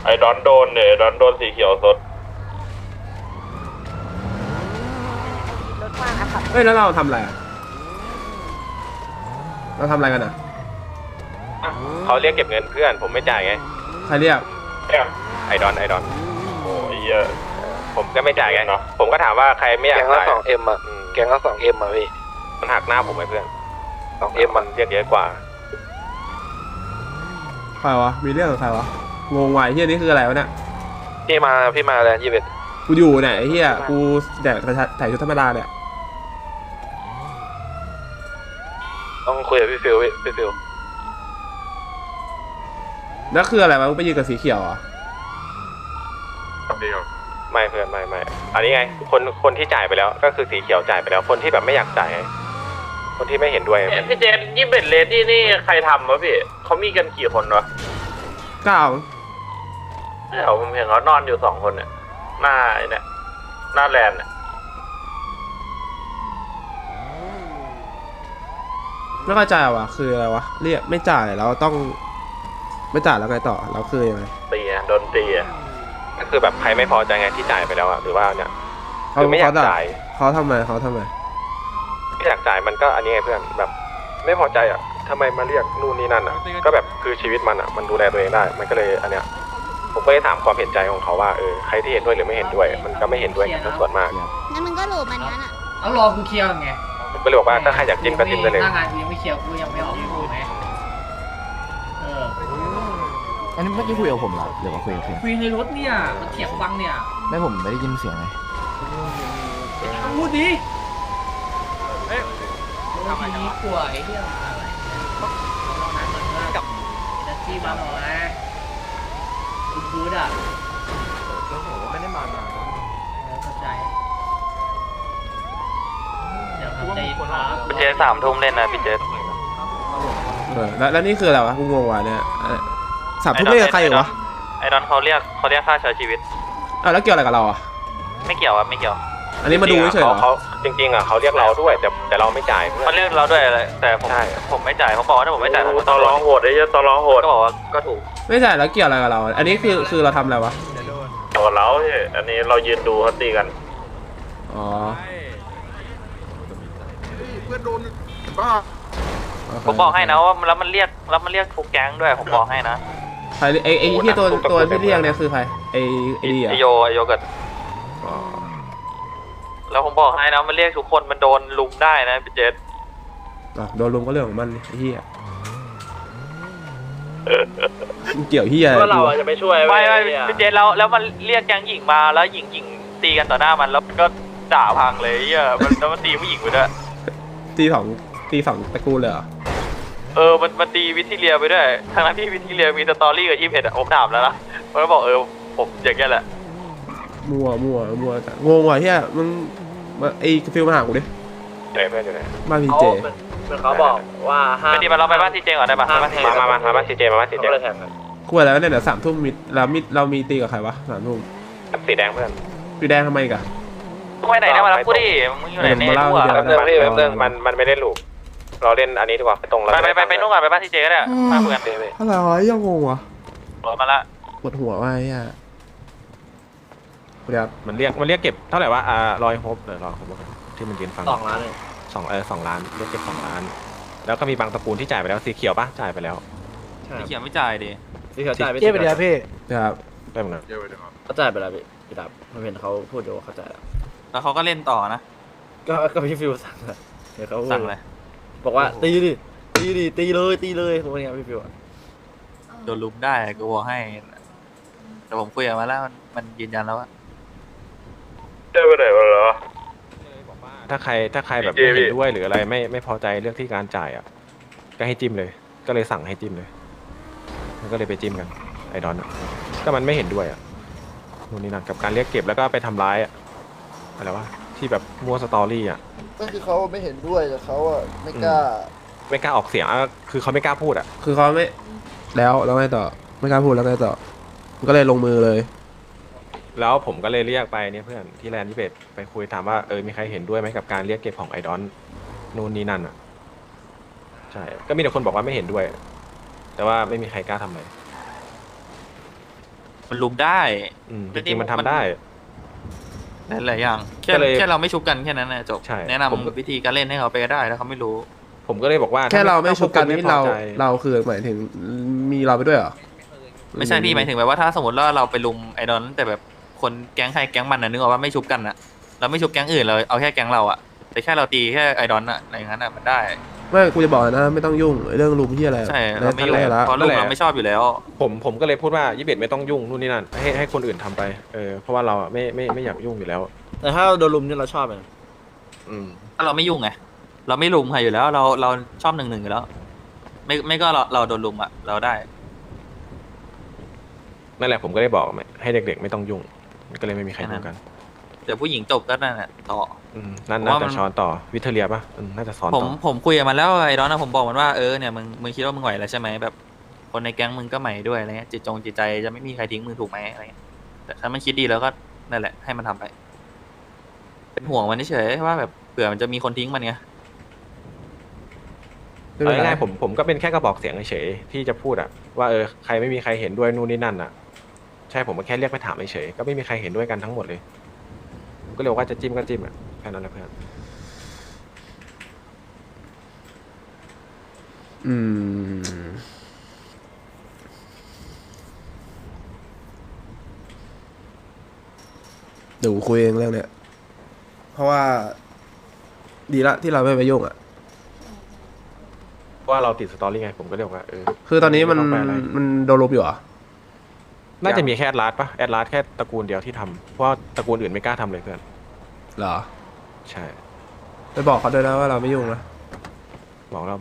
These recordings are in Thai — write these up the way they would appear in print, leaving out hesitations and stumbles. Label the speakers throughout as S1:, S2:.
S1: ไอ้ดอนโดนเนี่ยดอนโดนสีเขียวสด
S2: รถว่างอะค่ะ
S3: เฮ้ยแล้วเราทำอะไรอ่ะเราทำอะไรกันอ่ะ
S4: เขาเรียกเก็บเงินเพื่อนผมไม่จ่ายไง
S3: ใครเรียก
S4: ไอดอน
S1: โอ้ยเหี้ย
S4: ผมก็ไม่จ่ายไงผมก็ถามว่าใครไม่อยาก
S5: แกงละ
S4: จ่าย
S5: 2M อ่ะแกงละ 2M อ่ะพี่
S4: มันหักหน้าผมไงเพื่อน
S5: 2M
S4: มันเรียกเยอะกว่า
S3: ใครวะมีเรื่องกับใครวะงงว่ะไอ้เฮียนี่คืออะไรวะเนี่ย
S5: พี่มาแลนด์21
S3: กูอยู่เนี่ยไอ้เฮียกูแต่ใส่ชุดธรรมดาเนี่ย
S5: ต้องคุยกับพี่ฟิว
S3: แล้วคืออะไรวะมึงไปยืนกับสีเขียวอ่ะ
S4: ไม่เพื่อนไม่อันนี้ไงคนที่จ่ายไปแล้วก็คือสีเขียวจ่ายไปแล้วคนที่แบบไม่อยากจ่ายไงคนที่ไม่เห็นด้วย
S1: พี่เจนยี่เป็ดเลดี้นี่ใครทำวะพี่เขามีกันกี่คนวะ
S3: ก้าว
S1: เดี๋ยวผมเห็นเขานอนอยู่2 คนเนี่ยหน้าไอ้เนี่ยหน้าแลนด์เนี่ย
S3: ไม่เข้าใจว่ะคืออะไรวะเรียกไม่จ่ายแล้วต้องไม่จ่ายแล้วไงต่อแล้วคือยังไง
S1: ตีอะโดนตีอะ
S4: ก็คือแบบใครไม่พอใจไงที่จ่ายไปแล้วอะหรือว่าเนี่ย
S3: เขา
S4: คือไม่อยาก
S3: ด่
S4: จ่าย
S3: เขาทำไม
S4: ไม่อยากจ่ายมันก็อันนี้ไงเพื่อนแบบไม่พอใจอ่ะทำไมมาเรียกนู่นนี่นั่นอ่ะก็แบบคือชีวิตมันอ่ะมันดูแลตัวเองได้มันก็เลยอันเนี้ยผมก็เลยถามความเห็นใจของเขาว่าใครที่เห็นด้วยหรือไม่เห็นด้วย มันก็ไม่เห็นด้วยกันส่วนมาก
S2: งั้นมึงก็โหลมันนั้นอะ
S6: เอารอกูเคลียร์ไง
S4: ผมก็เลยบอกว่าถ้าใครอยากจิ้มก็จิ้มได้เลย
S6: หน้างานกูยังไม่เคลียร์กูยังไม่ออกกูไงเออ
S7: อันนี้เมื่อกี้คุยกับผมเหรอหรือว่าคุยกับเพื่อน
S6: คุยในรถเนี่ยมันเถียงฟังเนี่ย
S7: ไม่ผมไม่ได้ยินเสียงไง
S6: พูดดิทำไมนี้กลัวไอ้เรื่องอะไรกับนักที่มาหน่อยคุณพูดอ่ะไม่ได้มาเข้าใจเดี๋ยวครับใจครับ
S4: พี่เจ3 ทุ่มเล่นนะพี่เจ
S3: แล้วนี่คืออะไรวะกูงงว่ะเนี่ยสามทุ่มไม่กับใครอยู่วะ
S4: ไอ้ดอนเขาเรียกค่าใช้ชีวิต
S3: อ้าวแล้วเกี่ยวอะไรกับเราอ่ะ
S4: ไม่เกี่ยวครับไม่เกี่ยว
S3: อันนี้มาดูเฉยๆเหรอ
S4: เขาจริงๆอ่ะเขาเรียกเราด้วยแต่เราไม่จ่ายเขาเรียกเราด้วยอะไรแต่ผมไม่จ่ายเขาบอกว่าถ้าผมไม่จ่ายผม
S1: ตอร้องโหดไอ้เหี้ยตอร้องโหด
S4: ก็บอกว่าก็ถูก
S3: ไม่ใช่แล้วเกี่ยวอะไรกับเรา อันนี้คือเราทำอะไรวะ
S1: โดนแล้วพี่อันนี้เรายืนดูเขาตีกัน
S3: อ๋อ
S4: ผมบอกให้นะว่าแล้วมันเรียกทุกแก๊งด้วยผมบอกให้นะ
S3: ใครไอ้ที่ตัวที่เรียกเนี่ยคือใครไอ้ดีอ่ะ
S4: ไอโยเกิร์ตแล้วผมบอกให้นะมันเรียกทุกคนมันโดนลุมได้นะพี่เจษ
S3: โดนลุมก็เรื่องของมันไอ้เหี้ยเกี่ยวเหี้ย
S1: ว่าเราจะไม่ช่วย
S4: ไม่พี่เจษแล้วมันเรียกแก๊งหญิงมาแล้วหญิงตีกันต่อหน้ามันแล้วก็ด่าพังเลยเหี้ยแล้วมันตีผู้หญิงไปด้วย
S3: ตีสองตระกูลเลยเหรอ
S4: มันตีวิทิเลียไปด้วยทั้งนั้นที่วิทิเลียมีสตอรี่กับ21อ่ะผมถามแล้วนะมันก็บอกผมอย่างเงี้ยแหละ
S3: มั่วงงว่ะเหี้ยมึงไอ้ฟิลมาหากูดิ
S4: ไหนเพื่อนอยู่ไหน
S3: บ้านพีเจ
S1: เขาบอกว่าห้าม
S4: ไปดีมาเราไปบ้านทีเจก่อนได้ปะมาบ้านทีเจมาบ้านทีเจ
S1: เขาเลยแทงกัน
S3: คุยแล้วเนี่ยเดี๋ยว3 ทุ่มเรามีตีกับใครวะ3 ทุ่ม
S4: สีแดงเพื่อน
S3: สีแดงทำไมกัน
S4: มึงไปไหนเนี่ยมารับกูดิมึงอยู่ไหนเนี่ย
S3: เดี๋ยว
S4: แป๊บนึงมันไม่ได้ลูกเราเล่นอันนี้ดีกว่าไปตรงไปนู่นก่อนไปบ้านทีเจก็ได้มาเพื่อน
S3: อะไรวะยังงงวะ
S4: รถมาละ
S3: ปวดหัวว่ะไอ้เหี้ยเดี๋ยว
S8: มันเรียกเก็บเท่าไหร่วะรอยโฮปรอยโฮปที่มันยืนฟัง
S1: 2 ล้านเลย
S8: 2 ล้านเรียกเก็บ2 ล้าน แล้วก็มีบางตระกูลที่จ่ายไปแล้วสีเขียวปะจ่ายไปแล้ว
S4: สีเขียวไม่จ่ายดิ
S1: พี่เขาจ่ายไป
S7: เจ๊ไปเดี๋ยวพี่
S3: ครับ
S8: ได้เหมือนกัน
S1: เขาจ่ายไปแล้วพี่ดับผมเห็นเขาพูดอยู่ว่าเขาจ่ายแล้ว
S4: แล้วเขาก็เล่นต่อนะ
S1: ก็พี่ฟิวสั่งเลยเดี๋ยวเขา
S4: สั่งเลย
S1: บอกว่าตีเลยพวกนี้พี่ฟิว
S4: โดนลุมได้กูบอกให้แต่ผมคุยกับมาแล้วมันยืนยันแล้วว่า
S1: ได้ไปไหนมาเหรอ
S8: ถ้าใครแบบไม่เห็นด้วยหรืออะไรไม่พอใจเรื่องที่การจ่ายอ่ะก็ให้จิ้มเลย ก็เลยสั่งให้จิ้มเลยมันก็เลยไปจิ้มกันไอดอนก็มันไม่เห็นด้วยอ่ะนู่นนี่นั่นกับการเรียกเก็บแล้วก็ไปทำร้ายอ่ะอะไรวะที่แบบมัวสตอรี่อ่ะ
S9: ก็คือเขาไม่เห็นด้วยแต่เขาอ่ะไม่กล้า
S8: ออกเสียงคือเขาไม่กล้าพูดอ่ะ
S3: คือเขาไม่แล้วไงต่อไม่กล้าพูดแล้วไงต่อก็เลยลงมือเลย
S8: แล้วผมก็เลยเรียกไปเนี่ยเพื่อนที่แลนด์ที่เบตไปคุยถามว่ามีใครเห็นด้วยไหมกับการเรียกเก็บของไอดอนนู่นนี่นั่นอ่ะใช่ก็มีแต่คนบอกว่าไม่เห็นด้วย แต่ว่าไม่มีใครกล้าทำเลย
S10: มันลุมได้
S8: จริงๆมันทำได้
S10: หลายๆอย่างแค่
S8: ก็เลย
S10: แค่เราไม่ชุบกันแค่นั้นนะจบ
S8: ใช่
S10: แนะนำวิธีการเล่นให้เขาไปก็ได้ถ้าเขาไม่รู้
S8: ผมก็เลยบอกว่า
S3: แค่เราไม่ชุบกันนี่
S8: ถ้พวกคุณไม่พอใจ
S3: เราคือหมายถึงมีเราไปด้วยเหรอ
S10: ไม่ใช่พี่หมายถึงแบบว่าถ้าสมมติว่าเราไปลุมไอดอนแต่แบบคนแก๊งใครแก๊งมันนะนึกออกว่าไม่ชุบกันอะเราไม่ชุบแก๊งอื่นเราเอาแค่แก๊งเราอะแต่แค่เราตีแค่ไอดอนอะอะไรอย่างนั้นอะมันได้
S3: ไม่กูจะบอกนะไม่ต้องยุ่งเรื่องลุมที่อะไร
S10: ใช่เราไม่ยุ่ง
S3: แรกแล้ว
S10: เพราะลุมเราไม่ชอบอยู่แล้ว
S8: ผมก็เลยพูดว่า21ไม่ต้องยุ่งนู่นนี่นั่นให้คนอื่นทำไปเพราะว่าเราอะไม่อยากยุ่งอยู่แล้ว
S6: แต่ถ้าเราโดนลุมเนี่ยเราชอบเลย
S10: ถ้าเราไม่ยุ่งไงเราไม่ลุมใครอยู่แล้วเราชอบ1-1อยู่แล้ว ไม่ก็เราโดนลุมอะเราได้
S8: นั่นแหละผมก็ได้บอกให้เด็กๆไม่ต้องยุ่งก็เลยไม่มีใครยุ่งกัน
S10: เดี๋ยวผู้หญิงจบก็นั่นแหละต่อ
S8: นั่น
S10: ผม
S8: น่า
S10: ว่ามั
S8: จะ
S10: น
S8: ช้อนต่อวิเทเลียป่ะน่าจะสอน
S10: ผม
S8: ต่อ
S10: ผมคุยกับมันแล้วไอ้ดอนนะผมบอกมันว่าเนี่ยมึงคิดว่ามึงไหวแล้วใช่ไหมแบบคนในแก๊งมึงก็ใหม่ด้วยอะไรเงี้ยจิตใจจะไม่มีใครทิ้งมึงถูกไหมอะไรเงี้ยแต่ถ้ามันคิดดีแล้วก็นั่นแหละให้มันทำไป เป็นห่วงมันเฉยๆว่าแบบเผื่อมันจะมีคนทิ้งมันไง
S8: เอาง่ายๆผมก็เป็นแค่กระบอกเสียงเฉยๆที่จะพูดอะว่าใครไม่มีใครเห็นด้วยนู่นนี่นั่นอะใช่ผมก็แค่เรียกไปถามเฉยๆก็ไม่มีใครเห็นด้วยกันทั้งหมดเลยผมก็เลยบอกว่าจะจิ้มก็จิ้มอะแค่นั้นแหละเพื่อน
S3: เดี๋ยวกูคุยเองเรื่องเนี้ยเพราะว่าดีละที่เราไม่ไปยุ่งอ่ะ
S8: ว่าเราติดสตอรี่ไงผมก็เลยบอกว่า
S3: คือตอนนี้มัน
S8: ไต้งไปอะไร
S3: มันโดนลบอยู่เหรอ
S8: น่าจะมีแค่แอดลาสป่ะแอดลาสแค่ตระกูลเดียวที่ทำเพราะว่าตระกูลอื่นไม่กล้าทำเลยเพื่อน
S3: เหรอ
S8: ใช่
S3: ไปบอกเขาด้วยนะว่าเราไม่ยุ่งนะ
S8: บอกแล้ว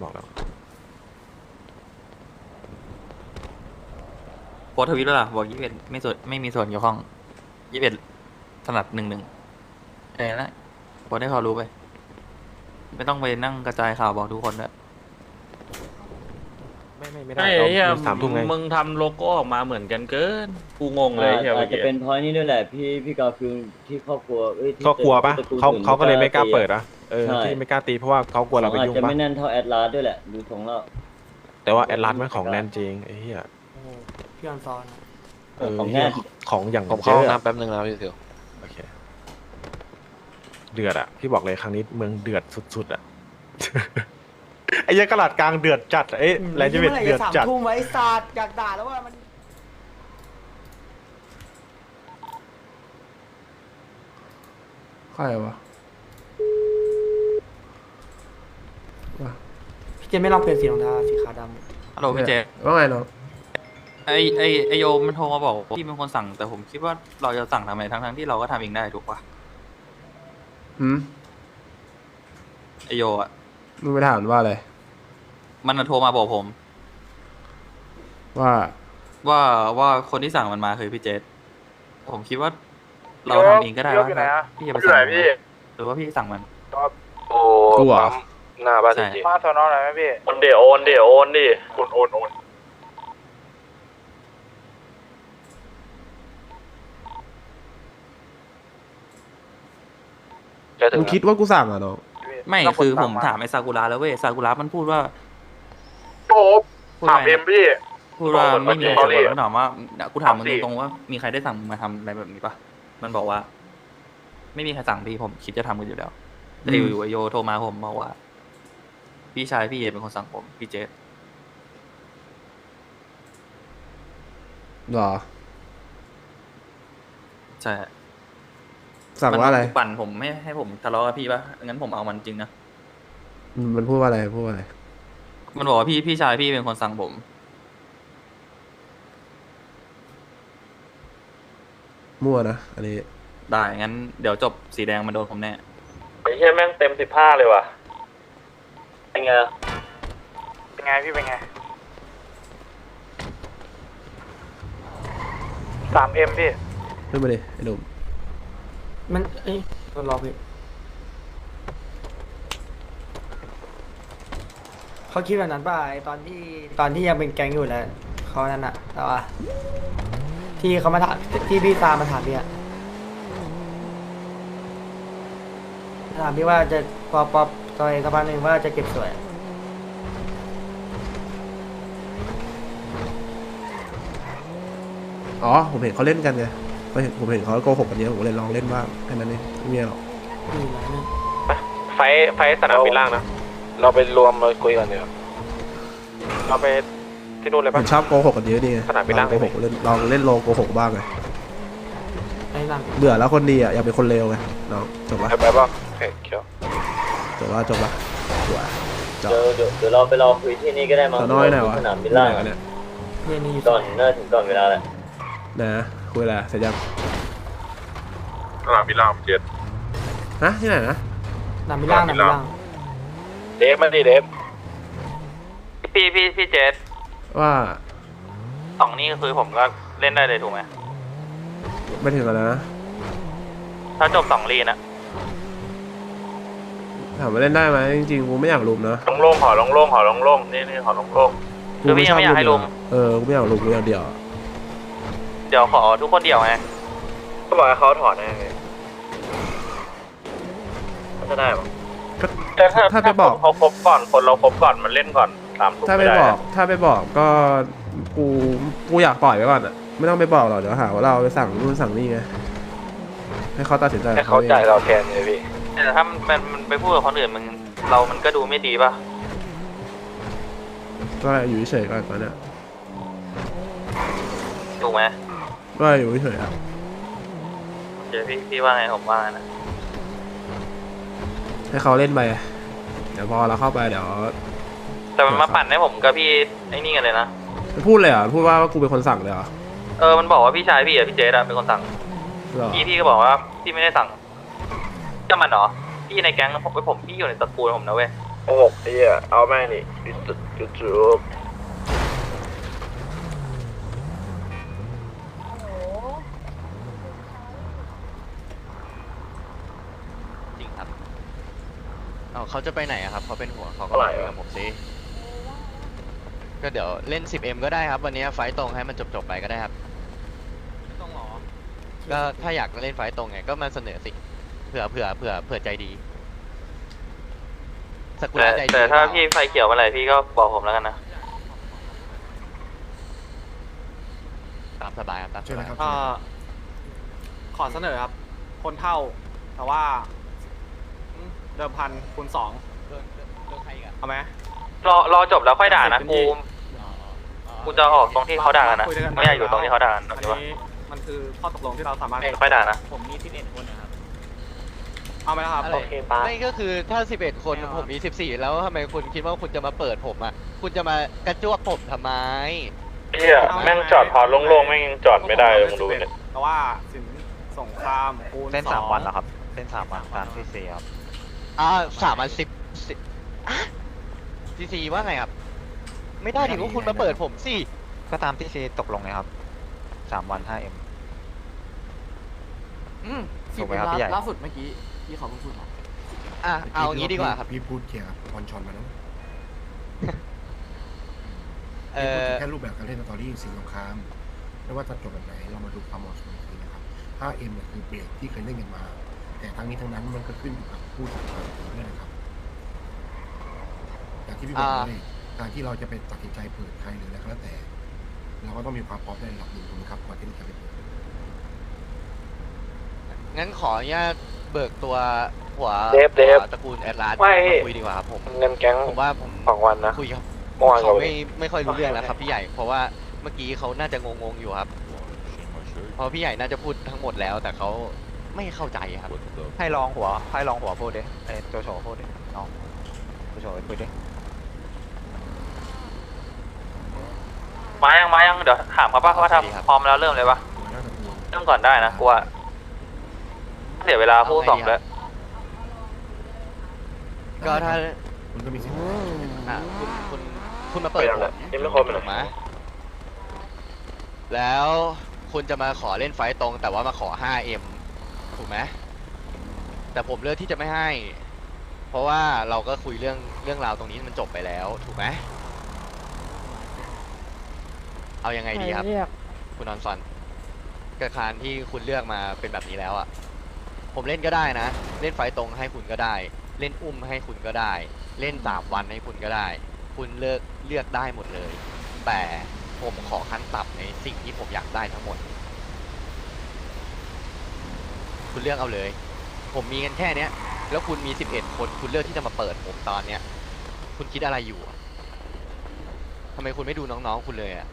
S10: โพสต์ทวิตแล้วล่ะบอก21ไม่มีส่วนเกี่ยวข้อง21ถนัด1-1นะโพสต์ให้เขารู้ไปไม่ต้องไปนั่งกระจายข่าวบอกทุกคนด้วย
S8: ไม่ได้เรา3 ทุ่มไง
S1: มึงทำโลโก้ออกมาเหมือนกันเกินกูงงเลยเฮีย
S6: อาจจะเป็นเพราะนี่ด้วยแหละพี่กาฟิลที่ครอบครัวที่
S8: ก็กลัวป่ะ
S6: ตระกูล
S8: เขาก็เลยไม่กล้าเปิด
S6: อะ
S8: อะที่ไม่กล้าตีเพราะว่าเขากลัวเราไปยุ่ง
S6: อาจจะ
S8: ป่ะ
S6: ไม่แน่นเท่าแอดลาสด้วยแหละดูทรงแล้ว
S8: แต่ว่าแอดลาสมันของแน่นจริงไอ้เหี้ย
S6: พี่ออนซอน
S8: ของแน่นของอย่าง
S5: ผมเข้าห้อง
S8: เยอะ
S5: น้ำแป๊บนึงนะพี่ซิว
S8: โอเคเดือดอะพี่บอกเลยครั้งนี้เมืองเดือดสุดๆอะ ไอ้ยักษ์กระดาษกลางเดือดจัดไอ้แลนด์เวทเดือดจัด
S6: ทุ่มไว้ศาสตร์อยากด่าแล้วว่ามัน
S3: ใครวะ
S6: พี่เจไม่ลองเปลี่ยนสีรองเท้าสีขาวดำ
S10: ฮัลโหลพี่เจ
S3: ว่าไงน้อง
S10: ไอโยมมันโทรมาบอกว่าพี่เป็นคนสั่งแต่ผมคิดว่าเราจะสั่งทำไมทั้งที่เราก็ทำเองได้ถูกปะ ไอโยอ่ะ
S3: มึงไปถามว่าอะไร
S10: มันโทรมาบอกผม ว่าคนที่สั่งมันมาคือพี่เจษผมคิดว่าเราทำเองก็ได้ว่าพี่จะไปสั่งมันหรือว่าพี่สั่งมัน
S5: โอ้
S3: กูเหรอ
S5: ปั๊มหน้าบ้าน
S10: ใช่
S5: จริง
S1: มาสอนอไหนไหมพี่
S5: โอนดิโอนดิโอนดิ
S1: โอน
S5: จะถึง
S3: มึงคิดว่ากูสั่งอ่ะน้อง
S10: ไม่คือผมถามไอซากุระแล้วเว้ยซากุระมันพูดว่า
S1: โอ้ถามเอ็มพี่
S10: พูดว่าไม่มี
S1: ต
S10: ส่
S1: อ
S10: วน
S1: รี่
S10: ผมถามว่ากูถามมึง
S1: ตอนรี่
S10: ตรงๆว่ามีใครได้สั่งมึงมาทำอะไรแบบนี้ปะมันบอกว่า ไม่มีใครสั่งพี่ผมคิดจะทำกันอยู่แล้วแต่อยู่ๆไอโยโทรมาผมบอกว่า พี่ชายพี่เอเป็นคนสั่งผมพี่เจษ
S3: หรอ
S10: ใช่
S3: สั่งว่าอะไร
S10: มันปั่นผมไม่ให้ผมทะเลาะกับพี่ปะงั้นผมเอามันจริงนะ
S3: มันพูดว่าอะไรพูดว่าอะไร
S10: มันบอกว่าพี่ชายพี่เป็นคนสั่งผม
S3: มั่วนะอันนี้
S10: ได้งั้นเดี๋ยวจบสีแดงมันโดนผมแน่
S1: ไอ้เฮียแม่งเต็ม15เลยว่ะ
S6: เป็นไง
S1: เป็นไงพี่เป็นไง 3M พี่
S3: ขึ้นมาดิไอ้หนุ่ม
S6: มันรอพี่เขาคิดแบบนั้นป่ะไอตอนที่ยังเป็นแก๊งอยู่แล้วเขานั่นอะแต่ว่าที่เขามาถามที่พี่ตามมาถามพี่อะถามพี่ว่าจะปอบซอยสักพักหนึ่งว่าจะเก็บสวย
S3: อ๋อผมเห็นเขาเล่นกันไงผมเห็นเขาโกหกกันเยอะผมเลยลองเล่นบ้างแค่นั้นเองไม่มีอะไรหรอก
S4: ไฟสนามบินล่างนะ
S5: เราไปรวมเราคุยกันเดี๋ยว
S4: เราไปที่นู่นเลย
S3: ผ
S4: ปะ
S3: มชอบโกหกกันเยอะนี่ไง
S4: สนามบินล่าง
S3: โกหกเล่นลองเล่นโลโกหกบ้างไง
S6: ไอ้หลัง
S3: เบื่อแล้วคนดีอ่ะอยากเป็นคนเลวไงน้องจบละ
S5: ไปป่ะโอเคเขียว
S3: จบละสวยจบ
S11: เดี๋ยวเราไปรอคุยที่นี่ก็ได้มั้ง
S3: สน้อยหน่อยวะ
S11: สนามบินล่าง
S3: ไหนวะเนี่ย
S6: เรียนนี่อยู่
S11: ก่อนน่าถึงก่อนเวลาแหละ
S3: นะคุยอะไรเสร็จยัง
S1: สนามบินล่างเจ็ด
S3: ฮะที่ไหนนะ
S6: หนังมิล่างหนังมิล่าง
S5: เดฟมาดิเดฟ
S10: พี่เจส
S3: ว่า
S10: สองนี่คือผมก็เล่นได้เลยถูกไหม
S3: ไม่ถึงกันแล้วนะ
S10: ถ้าจบสองลีนอะ
S3: ถามว่าเล่นได้ไหมจริงๆกูไม่อยากลุมนะ
S1: โล่งๆหอโล่งๆหอโล่งๆนี่หอโล่ง
S3: กูไม่ชอบลุมอะกูไม่อยากลุมกูอยากเดี่ยวอะ
S10: เดี๋ยวขอทุกคนเดี่ยวไง
S5: ก็บอกให้เขาถอดไงเขาจะได้ปะ
S1: ๆแต่ถ้าเขาครบก่อนคนเราครบก่อนมันเล่นก่อนตามถูก
S3: ถ้า
S1: ไม่
S3: ไป
S1: ได้
S3: บอกถ้าไปบอกก็กูอยากปล่อยไว้ก่อนอะไม่ต้องไปบอกหรอกเดี๋ยวหาว่าเราไปสั่งนู่นสั่งนี่ไงให้เขาตัดสินใจ
S5: ให้เขาจ่ายเราแทนเลยพี่
S10: แต่ถ้ามันไปพูดกับคนอื่นมันก็ดูไม่ดีป่ะ
S3: ก็อยู่เฉยๆก่อนตอนเนี้ย
S10: ถูกไหม
S3: ก็อยู่เฉยๆอะ
S10: เดี๋ยวพี่ว่าไงผมว่าไงนะ
S3: ให้เขาเล่นไปเดี๋ยวพอเราเข้าไปเดี๋ยว
S10: แต่มันมาปั่นให้ผมกับพี่ไอ้นี่กันเลยนะ
S3: พูดเลยเหรอพูดว่ากูเป็นคนสั่งเลยเหรอ
S10: มันบอกว่าพี่ชายพี่อะพี่เจสอะเป็นคนสั่ง
S3: เหรอ
S10: พี่ก็บอกว่าพี่ไม่ได้สั่งก็มันเหรอพี่ในแก๊งผมพี่อยู่ในตระกูลผมนะเว้ย
S5: โอ้โหไอ้เหี้ยเอาแม่งนี่จุด
S7: จริงครับเขาจะไปไหนอะครับเขาเป็นหัวเขาก็
S5: เท่าไหร่
S7: คุย
S5: อะ
S7: กับผมสิก็เดี๋ยวเล่น 10M ก็ได้ครับวันนี้ไฟต์ตรงให้มันจบไปก็ได้ครับ
S10: ต้องหรอ
S7: ก็ถ้าอยากเล่นไฟต์ตรงไงก็มาเสนอสิเผื่อใจดีสกุลใจดี
S10: แต่ถ้า
S7: หรือเปล่
S10: พี่ไฟเขียวเมื่อไหร่พี่ก็บอกผมแล้วกันนะ
S7: ตามสบายครับตามสบายครับ
S6: ขอเสนอครับ คนเท่า แต่ว่าเดิมพันคูณ 2
S7: เดินใครกัน
S6: เอาไหม
S10: รอจบแล้วค่อยด่านะกูจะออกตรงที่เขาด่ากันนะไม่อยากอยู่ตรงที่เขาด่ากัน
S6: อัน
S10: ใช่ปะ
S6: นี้มันคือข้อตกลงที่เราสามารถ
S10: ค่อยด่านะ
S6: ผมมี11คนนะครับเอาไหมครับ
S7: อะไรไม่ก็คือถ้า11คนผมมี14แล้วทำไมคุณคิดว่าคุณจะมาเปิดผมอ่ะคุณจะมากระจวกผมทำไม
S1: เฮียแม่งจอดพอโล่งๆแม่งยังจอดไม่ได้เลยมึงดูเนี่ย
S6: แต่ว่าสินสงครามคูณ
S7: เล่น
S6: 2
S7: 3 วันเหรอครับเล่น3 วันตามที่4ครับ3 วัน10ทีว่าไงครับไม่ได้ถึงว่าคุณมาเปิดผมสิก็ตามที่ตกลงเลยครับ3 วัน 5M ถูกไหมครับพี่ใหญ่ล่าสุดเมื่อกี้ที่เขาพูดมาเอางี้ดีกว่าครับ
S9: พี่พูดเกี่ยวกับบอลชอนมาแล้ว
S7: เออ
S9: แค่รูปแบบการเล่นสตอรี่สิ่งสงครามไม่ว่าจะจบแบบไหนเรามาดูความเหมาะสมอีกทีนะครับ 5M เนี่ยคือเบรกที่เคยเล่นกันมา แต่ทั้งนี้ทั้งนั้นมันก็ขึ้นอยู่กับผู้จัดการด้วยนะครับอย่างที่พี่บอกเลยการที่เราจะไปตัดสินใจเปิดใครหรืออะไรก็แล้วแต่ เราก็ต้องมีความพร้อมในระดับหนึ่งถูกไหมครับก่อนที่เราจะไปเปิด
S7: งั้นขออนุญาตเบิกตัวหัว
S5: เดฟ
S7: ตระกูลแอดลาส
S5: ไม่
S7: มาคุยดีกว่าครับผม
S5: เงินแก๊ง
S7: ผมว่าผม
S5: 2 วันนะ
S7: คุยครับ
S5: เมื่อวาน
S7: เขา
S5: ก็
S7: ไม่ค่อยรู้เรื่องแล้วครับพี่ใหญ่เพราะว่าเมื่อกี้เขาน่าจะงงๆอยู่ครับเพราะพี่ใหญ่น่าจะพูดทั้งหมดแล้ว แต่เขาไม่เข้าใจครับให้ลองหัวพูดดิไอ้โจโฉพูดดิน้องโจโฉพูดดิ
S10: มายังเดี๋ยวถามเขาป่ะว่าทำพร้อมแล้วเริ่มเลยป่ะเริ่มก่อนได้นะกูว่าเดี๋ยวเวลาคู่2แล้ว
S7: ก็ถ้า
S9: คุณก็มีสิทธิ์
S7: คุณมาเปิดผม
S5: ยังไม่ครบเลย
S7: ถูกไหมแล้วคุณจะมาขอเล่นไฟต์ตรง แต่ว่ามาขอ 5M ถูกไหมแต่ผมเลือกที่จะไม่ให้ เพราะว่าเราก็คุยเรื่องราวตรงนี้มันจบไปแล้วถูกไหมเอายังไงดีครับคุณนอนซอนกระคารที่คุณเลือกมาเป็นแบบนี้แล้วอ่ะผมเล่นก็ได้นะเล่นไฟต์ตรงให้คุณก็ได้ เล่นอุ้มให้คุณก็ได้ เล่น3 วันให้คุณก็ได้ คุณเลือกได้หมดเลย แต่ผมขอขั้นต่ำในสิ่งที่ผมอยากได้ทั้งหมด คุณเลือกเอาเลย ผมมีกันแค่เนี้ย แล้วคุณมี11 คนคุณเลือกที่จะมาเปิดผมตอนเนี้ย คุณคิดอะไรอยู่อะทำไมคุณไม่ดูน้องๆคุณเลยอะ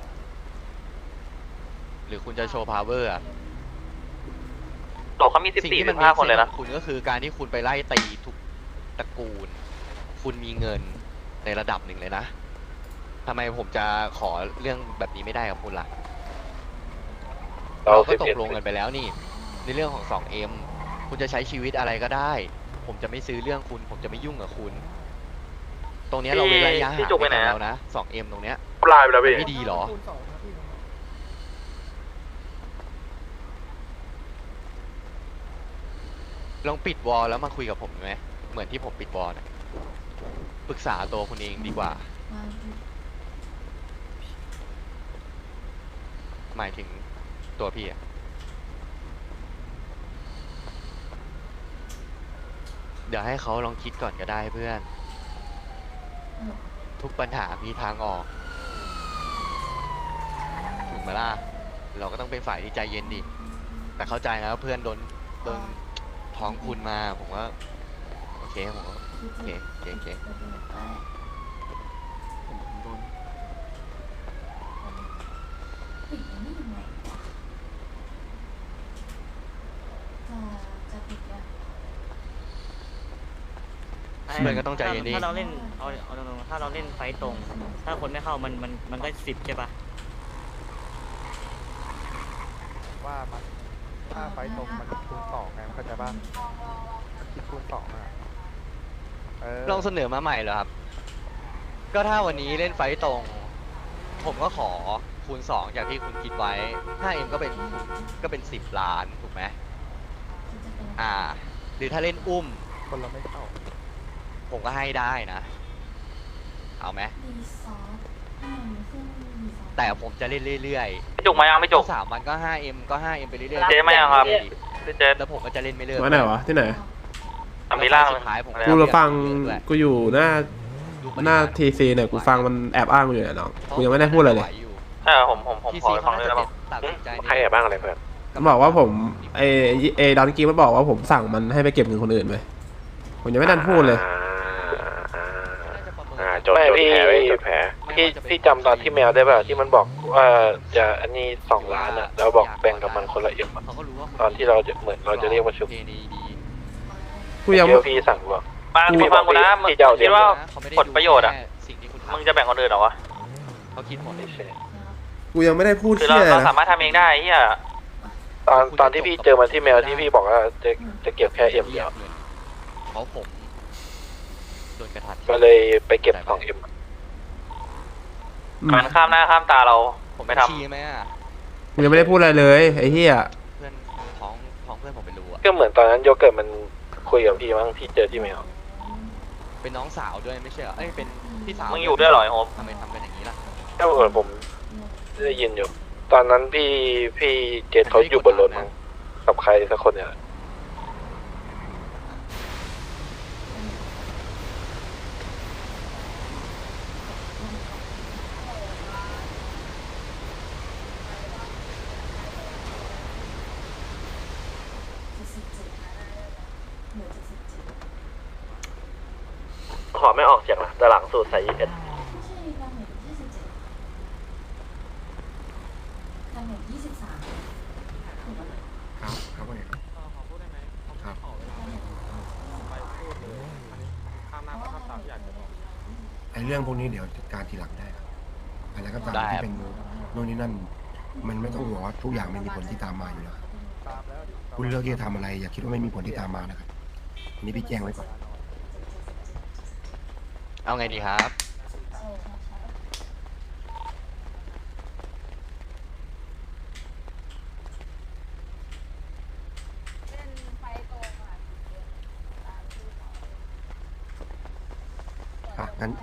S7: หรือคุณจะโชว์พาวเวอร์อะ
S10: โตเขามี
S7: สิ่งที่มัน
S10: 14-15 คนเลยนะ
S7: คุณก็คือการที่คุณไปไล่ตีทุกตระกูล คุณมีเงินในระดับหนึ่งเลยนะทำไมผมจะขอเรื่องแบบนี้ไม่ได้กับคุณล่ะ เราก็ตกลงกันไปแล้วนี่ ในเรื่องของ 2M คุณจะใช้ชีวิตอะไรก็ได้ ผมจะไม่ซื้อเรื่องคุณ ผมจะไม่ยุ่งกับคุณ ตรงเนี้ยเราเว้นระยะห่าง
S10: พี่จุกไปไหน
S7: กัน
S10: อะ
S7: แล้วนะ 2M ตรงเนี้ย
S1: ปลายไปแล้วพี่
S7: ไม่ดีเหรอ ลองปิดวอลแล้วมาคุยกับผมไหมเหมือนที่ผมปิดวอลนะปรึกษาตัวคุณเองดีกว่า หมายถึงตัวพี่อะเดี๋ยวให้เขาลองคิดก่อนก็ได้เพื่อน ทุกปัญหามีทางออกถูกไหมล่ะ เราก็ต้องเป็นฝ่ายที่ใจเย็นดิ แต่เข้าใจนะว่าเพื่อนโดนท้องคุณมา ผมว่าโอเคผมว่าโอเคโอเค เพื่อนก็ต้องใจเย็นดิ
S12: ถ้าเราเล่นเอาตรงๆถ้าเราเล่นไฟตรง ถ้าคนไม่เข้ามันก็10ใช่ปะ
S13: ว่ามันถ้าไฟตรงมันคูณ2ไงเข้าใจป่ะคิดคูณ2อ่ะ
S7: ลองเสนอมาใหม่เหรอครับ ก็ถ้าวันนี้เล่นไฟต์ตรง ผมก็ขอคูณ 2 จากที่คุณคิดไว้ 5M ก็เป็น10 ล้านถูกไหมหรือถ้าเล่นอุ้ม
S13: คนเราไม่เข้า
S7: ผมก็ให้ได้นะ เอาไหมแต่ผมจะเล่นเรื่อยๆ
S10: พี่จุกมายังไม่จุก
S7: 3 วันก็ 5M ก็ 5M ไปเรื่อยๆ
S10: เจ๊มายังครับพี่เจ๊
S7: แล้วผมก็จะเล่นไม่เลิก
S3: มาไหนวะที่ไหน
S10: ทำมีล่าง
S7: สุดท้ายผม
S3: กูเราฟัง
S7: ด้วย
S3: กูอยู่หน้าทีซีเนี่ยกูฟังมันแอบอ้างกูอยู่เนี่ยน้องกูยังไม่ได้พูดอะไรเลย
S10: ผมขอฟังเลยได้ป่ะ
S7: ตัดสินใจ
S4: ใครแอบบ้างอะไรเพื่อน
S3: มันบอกว่าผมไอดอนกี้มันบอกว่าผมสั่งมันให้ไปเก็บเงินคนอื่นไปผมยังไม่ทันพูดเลย
S4: จดแผลไว้จดแผล
S5: พี่จำตอนที่แมวได้ป่ะที่มันบอกว่าจะอันนี้2 ล้านอ่ะแล้วบอกแบ่งกับมันคนละMอะตอนที่เราจะเหมือนเราจะเรียกประชุม
S3: กูยัง
S5: เดี๋ยวพี่สั่งบอก
S10: ฟังกูนะมึง
S5: พี่จะเอา
S10: คิดว่า
S7: เขาไม่ได้
S10: ผลประโยชน์อะ
S7: สิ่งที่คุณ
S10: มึงจะแบ่งคนอื่นเหรอวะ
S7: เขาคิดหมด
S3: กูยังไม่ได้พูด
S10: คือ
S3: เที่ย
S10: เรา
S3: นะ
S10: สามารถทำเองได้เฮีย
S5: ตอนที่พี่เจอมันที่แมวที่พี่บอกว่าจะเก็บแค่M เดียว
S7: เพราะผมโดนกระทัด
S5: ก็เลยไปเก็บ2M
S10: มันข้ามหน้าข้ามตาเรา
S7: ผม
S10: ไม่
S7: ไม่
S10: ทำ
S7: ชี้ไหมอ่ะ
S3: กูยังไม่ได้พูดอะไรเลยไอ้เหี้ย
S7: เพื่อนท้องเพื่อนผมไปรู้อ่ะ
S5: ก็เหมือนตอนนั้นโยเกิร์ตมันคุยกับพี่มั้งพี่เจอที่แมว
S7: เป็นน้องสาวด้วยไม่ใช่เหรอเอ้ยเป็นพี่สาว
S10: มึงอยู่ด้วยเหรอไอ้โฮม
S7: ทำไมทำกันอย่างนี้ล่ะ
S5: ก็เหมือนผมได้ยินอยู่ ตอนนั้นพี่เจษเขาอยู่บนรถมั้งกับใครสักคนเนี่ย
S1: ขอไม่ออกเสียงนะแต่หลังสูตรใส่21
S9: ครับครับว่าไงครับครับไอเรื่องพวกนี้เดี๋ยวจัดการทีหลังได้ครับอะไรก็ตามที่เป็นโน่นนี่นั่น มันไม่ต้องห่วงว่าทุกอย่างไม่มีผลที่ตามมาอยู่แล้วครับคุณเลือกที่จะทำอะไรอย่าคิดว่าไม่มีผลที่ตามมานะครับอันนี้พี่แจ้งไว้ก่อน
S7: เอาไงดีครับ
S9: งั้น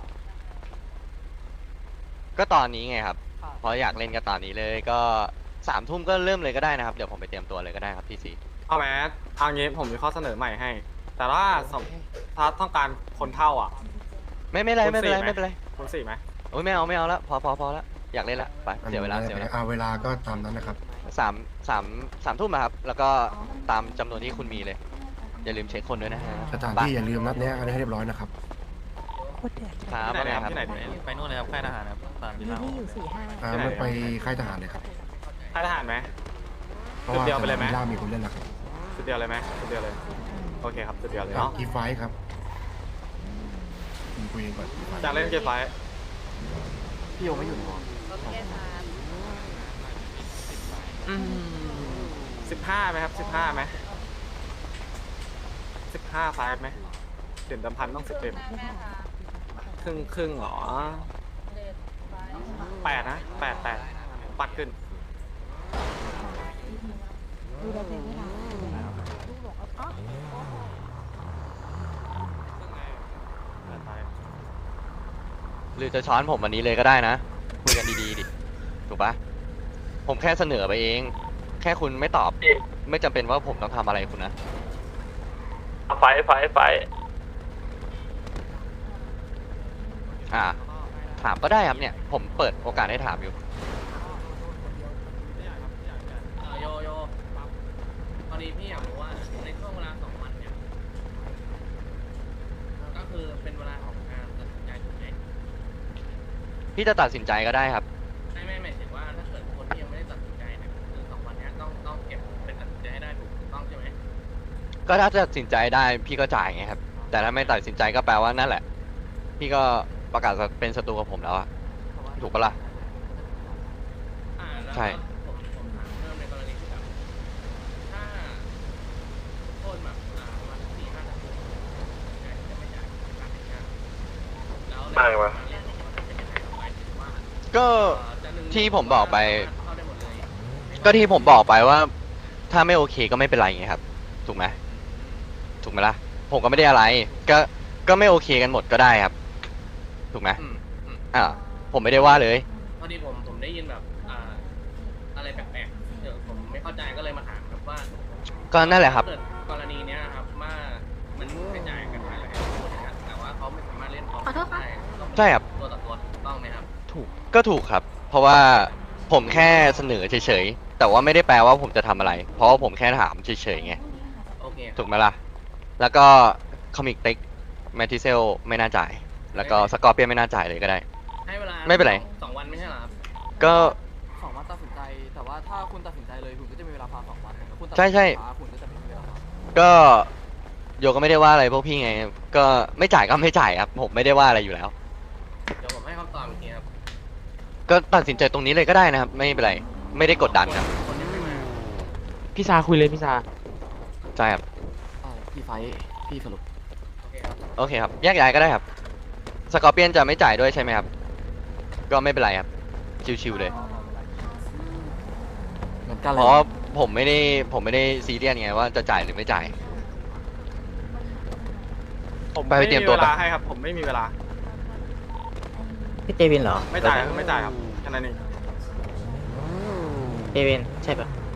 S7: ก็ตอนนี้ไงครับเพราะอยากเล่นก็ตอนนี้เลยก็3 ทุ่มก็เริ่มเลยก็ได้นะครับเดี๋ยวผมไปเตรียมตัวเลยก็ได้ครับพี่ซี
S6: เอาแมสเอางี้ผมมีข้อเสนอใหม่ให้ แต่ว่าถ้าต้องการคนเท่าอ่ะ
S7: ไม่เป็นไร
S6: คุณ
S7: ไม่เป็นไร
S6: 4
S7: ไม่เป็นไร
S6: คุณ4ไหม
S7: โอ้ยไม่เอาแล้วพอแล้วอยากเล่นละไปเสียเวลาเสียเวลา
S9: เวลาก็ตามนั้นนะครับ
S7: สามทุ่มนะครับ แล้วก็ตามจำนวนที่คุณมีเลย อย่าลืมเช็คคนด้วยนะฮะ
S9: สถานที่อย่าลืมนัดแนะกันให้เรียบร้อยนะครับ
S7: ครับว่าไงครับ
S10: ไปนู่นเลยครับค่ายทหารครับตามที่เรา
S9: มันไปค่ายทหารเลยครับ
S4: ค่ายทหารไหม
S9: เพราะว่า
S4: จุดเดียวไปเลยไหม
S9: ล่ามีคนเล่นแล้วครับ
S4: จุดเดียวเลยไหมจุดเดียวเลยโอเคครับจุดเดียวเลย
S9: จาก
S4: เนาะ
S9: กีไฟท์ครับคุยกันก่อน
S4: จากเล่นเกมไฟ
S10: พี่โยไม่อยู่หรอ
S4: 15ไหมครับ15ไหม15ไฟไหมเด่นดำพันต้อง10เต็มครึ่งหรอ8นะ8ปัดขึ้น
S7: หรือจะช้อนผมวันนี้เลยก็ได้นะคุยกันดีๆดิถูกปะผมแค่เสนอไปเอง แค่คุณไม่ตอบไม่จำเป็นว่าผมต้องทำอะไรคุณนะ
S1: ไฟ
S7: ถามก็ได้ครับเนี่ย ผมเปิดโอกาสให้ถามอยู่
S10: โยพอดีพี่อยากรู้ว่าในช่วงเวลา2 วันเนี่ยก็คือเป็นเวลาของการตัดสินใจถูกไหม
S7: พี่จะตัดสินใจก็ได้ครับ
S10: ไม่หมายถึงว่าถ้าเกิดคนที่ยังไม่ได้ตัดสินใจเนี่ยคือ2 วันนี้ต้องเก็บเป็นตัดสินใจให้ได้ถูกต้องใช่ไหม
S7: ก็ถ้าตัดสินใจได้พี่ก็จ่ายไงครับ แต่ถ้าไม่ตัดสินใจก็แปลว่านั่นแหละ พี่ก็ประกาศเป็นศัตรูกับผมแล้วอะถูกปะล่ะ
S10: แล้ว
S7: ใช่
S10: ผมถามเพิ่มในกรณีที่แบบถ้าโทษแบบประมาณ4-5 นาทีจะไม่จ่ายการเป็นงานแล้ว
S4: ไม่วะ
S7: ก็ที่ผมบอกไป ก็ที่ผมบอกไปว่า ถ้าไม่โอเคก็ไม่เป็นไรไงครับ ถูกไหมล่ะ ผมก็ไม่ได้อะไร ก็ไม่โอเคกันหมดก็ได้ครับ ถูกไหมผมไม่ได้ว่าเลย
S10: พอดีผมได้ยินแบบอะไรแปลกๆเดี๋ยวผมไม่เข้าใจก็เลยมาถามครับว่า
S7: ก็นั่นแหละครับ
S10: เกิดกรณีเนี้ยครับว่ามันกระจายกันไปแล้วแต่ว่าเขาไม่สามารถเล่นพร้อมกันได้
S7: ใช่ครับ
S10: ตัวต่อตัวถูกต้องไหมครับ
S7: ถูกครับ เพราะว่าผมแค่เสนอเฉยๆ แต่ว่าไม่ได้แปลว่าผมจะทำอะไร เพราะว่าผมแค่ถามเฉยๆไง
S10: โอเค
S7: ถูกไหมล่ะ แล้วก็คอมิกเต็กแมททิเซลไม่น่าจ่าย แล้วก็สกอร์เปียนไม่น่าจ่ายเลยก็ได้
S10: ให้เวลา
S7: ไม่เป็นไร
S10: 2 วันไม่ใช่เหรอครับ
S7: ก็
S10: 2 วันตัดสินใจแต่ว่าถ้าคุณตัดสินใจเลยคุณก็จะมีเวลาพัก2 วันแต่คุณตัด
S7: ใช่
S10: สินใจช้าคุณก็จะไม่มีเวลาพัก
S7: ก็โยก็ไม่ได้ว่าอะไรพวกพี่ไง ก็ไม่จ่ายก็ไม่จ่ายครับ ผมไม่ได้ว่าอะไรอยู่แล้ว
S10: เดี๋ยวผมให้คำตอบอีกทีครับ
S7: ก็ตัดสินใจตรงนี้เลยก็ได้นะครับ ไม่เป็นไร ไม่ได้กดดันครับ
S10: คนยังไม่มา
S7: พี่ซาคุยเลยพี่ซาใช่ครับ
S10: พี่ไฟพี่สรุปโอเคครับ
S7: โอเคครับ แยกย้ายก็ได้ครับ สกอร์เปียนจะไม่จ่ายด้วยใช่ไหมครับ ก็ไม่เป็นไรครับ ชิวๆเลย
S10: เหมือนกันเลย
S7: เพราะผมไม่ได้ซีเรียสไงว่าจะจ่ายหรือไม่จ่าย
S4: ผม
S7: ไป
S4: ไม่
S7: เตรี
S4: มี
S7: ยมตัว
S4: เว
S7: ไป
S4: ลาให้ครับผมไม่มีเวลา
S12: พี่เจวินเหรอ
S4: ไม่จ่ายครับแค่นั้นเอง
S12: เจวินใช่ปะ